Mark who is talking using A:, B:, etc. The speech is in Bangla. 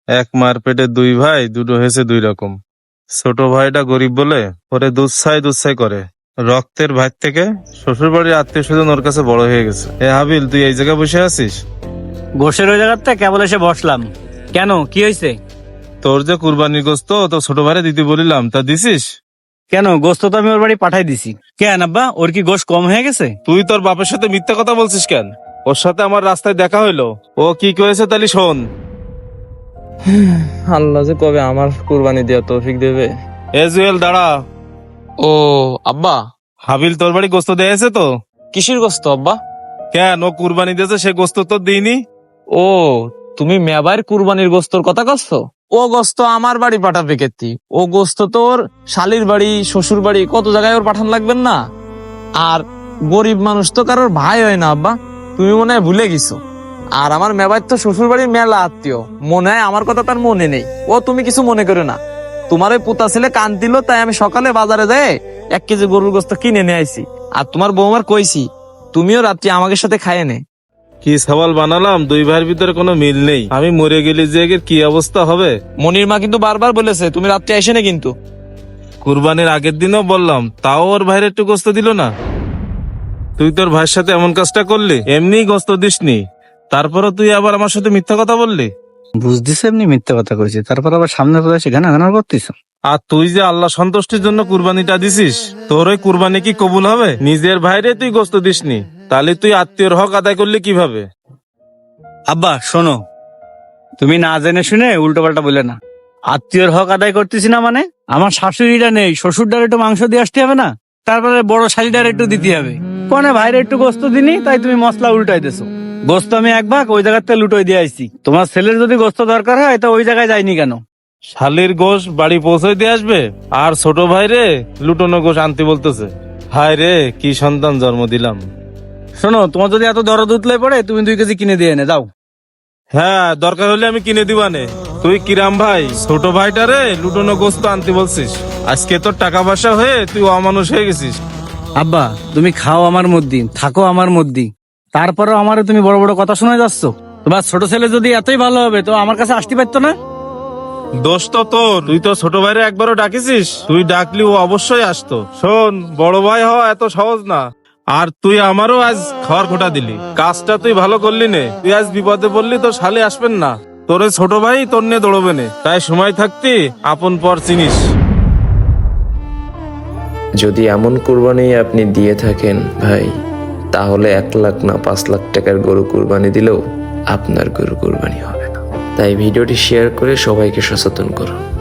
A: এক মার পেটে দুই ভাই, দুটো হয়েছে দুই রকম। ছোট ভাইটা গরিব বলে ওরে দুধছাই করে। রক্তের ভাই থেকে শ্বশুর বাড়ির আত্মীয় স্বজন ওর কাছে বড় হয়ে গেছে। এ হাবিল, তুই এই জায়গায় বসে আছিস?
B: গোশের ওই জায়গাতে কেবল এসে বসলাম। কেন, কি হয়েছে?
A: তোর যে কুরবানির গোস্ত তো ছোট ভাইরে দিতে বলিলাম, তা দিছিস?
B: কেন, গোস্ত তো আমি ওর বাড়ি পাঠাই দিছি। কেন আব্বা, ওর কি গোশ কম হয়ে গেছে?
A: তুই তোর বাপের সাথে মিথ্যা কথা বলছিস কেন? ওর সাথে আমার রাস্তায় দেখা হইলো, ও কি করেছে তাহলে শোন।
C: আল্লাহ যে কবে আমার কুরবানি দেওয়া তৌফিক দেবে।
A: এ জুয়েল, দাঁড়া।
C: ও আব্বা,
A: হাবিল তোর বাড়ি গোস্ত দিয়েছে তো?
C: কিসের গোস্ত আব্বা?
A: কেন, ও কুরবানি দিয়েছে, সে গোস্ত তো দিইনি?
C: ও, তুমি মেবার কুরবানির গোস্তর কথা কচ্ছ? ও গোস্ত আমার বাড়ি পাঠাবে কেতি? ও গোস্ত তোর শালির বাড়ি, শ্বশুর বাড়ি, কত জায়গায় ওর পাঠান লাগবেন না। আর গরিব মানুষ তো কারোর ভাই হয় না আব্বা, তুমি মনে হয় ভুলে গেছো। আর আমার মেবার তো শ্বশুর বাড়ির মেলা আত্মীয়, মনে হয় আমার কথা তার মনে নেই। ও তুমি কিছু মনে করো না। তোমার ওই পুতা ছেলে কান দিল, তাই আমি সকালে বাজারে যাই 1 কেজি গরুর গোস্ত কিনে নিয়ে আইছি। আর তোমার বৌমার কইছি তুমিও রাত্রি আমাকে সাথে খাইয়ে নে।
A: কি সওয়াল বানালাম, দুই ভাইয়ের ভিতরে কোনো মিল নেই। আমি মরে গেলে যে এর কি অবস্থা হবে।
C: মনির মা কিন্তু বারবার বলেছে তুমি রাত্রে আসে না কিন্তু।
A: কুরবানির আগের দিনও বললাম, তাও ওর ভাইয়ের একটু গোস্ত দিল না। তুই তোর ভাইয়ের সাথে এমন কাজটা করলি, এমনি গোস্ত দিসনি, তারপরও তুই আবার আমার সাথে মিথ্যা কথা বললি।
B: বুঝতেছে এমনি মিথ্যে কথা কইছি, তারপর আবার সামনে পড়ে এসে গানা গানা করতেছ।
A: আর তুই যে আল্লাহ সন্তুষ্টির জন্য কুরবানিটা দিছিস, তোর ওই কুরবানি কি কবুল হবে? নিজের ভাইরে তুই গোস্ত দিসনি, তাহলে তুই আত্মীয়র হক আদায় করলি কিভাবে?
B: আব্বা শোনো, তুমি না জেনে শুনে উল্টো পাল্টা বলে না। আত্মীয়র হক আদায় করতেছি না মানে? আমার শাশুড়িটা নেই, শ্বশুরটার একটু মাংস দিয়ে আসতে হবে না? তারপরে বড় শালিটার একটু দিতে হবে। কোনে ভাইরে একটু গোস্ত দিনি, তাই তুমি মশলা উল্টাই দেছো। গোস্ত আমি 1 ভাগ ওই জায়গাতে লুটোই দিয়ে আইছি। তোমার ছেলের যদি গোস্ত দরকার হয় তো ওই জায়গায় যায়নি কেন?
A: শালির গোশ বাড়ি পৌঁছে দিয়ে আসবে, আর ছোট ভাইরে লুটোনো গোশ আনতে বলতেছে। হায় রে, কি সন্তান জন্ম দিলাম।
B: শোনো, তোমার যদি এত দরদ উতলে পড়ে, তুমি 2 কেজি কিনে দিয়ে এনে দাও।
A: হ্যাঁ, দরকার হলে আমি কিনে দিবানে। তুই কিরাম ভাই, ছোট ভাইটারে লুটোনো গোস্ত আনতে বলছিস? আজকে তোর টাকা পয়সা হয়ে তুই অমানুষ হয়ে গেছিস।
B: আব্বা, তুমি খাও আমার মধ্যে, থাকো আমার মধ্যে, তারপরেও আমারে তুমি বড় বড় কথা শোনা যাচ্ছ। তোমার ছোট ছেলে যদি এতই ভালো হবে তো আমার কাছে আসতে পারতো না?
A: দোষ তো তোর, তুই তো ছোট ভাইরে একবারও ডাকিছিস? তুই ডাকলি ও অবশ্যই আসতো। শোন, বড় ভাই হওয়া এত সহজ না। আর তুই আমারও আজ খাওয়ার খোটা দিলি, কাজটা তুই ভালো করলি নে। তুই আজ বিপদে পড়লি, তোর শালি আসবেন না, তোর ওই ছোট ভাই তোর নিয়ে দৌড়বে নে। তাই সময় থাকতি আপন পর চিনিস।
D: যদি এমন কুরবানি আপনি দিয়ে থাকেন ভাই, তাহলে 1 লাখ না 5 লাখ টাকার গরু কুরবানি দিলেও আপনার গরু কুরবানি হবে না। তাই ভিডিওটি শেয়ার করে সবাইকে সচেতন করুন।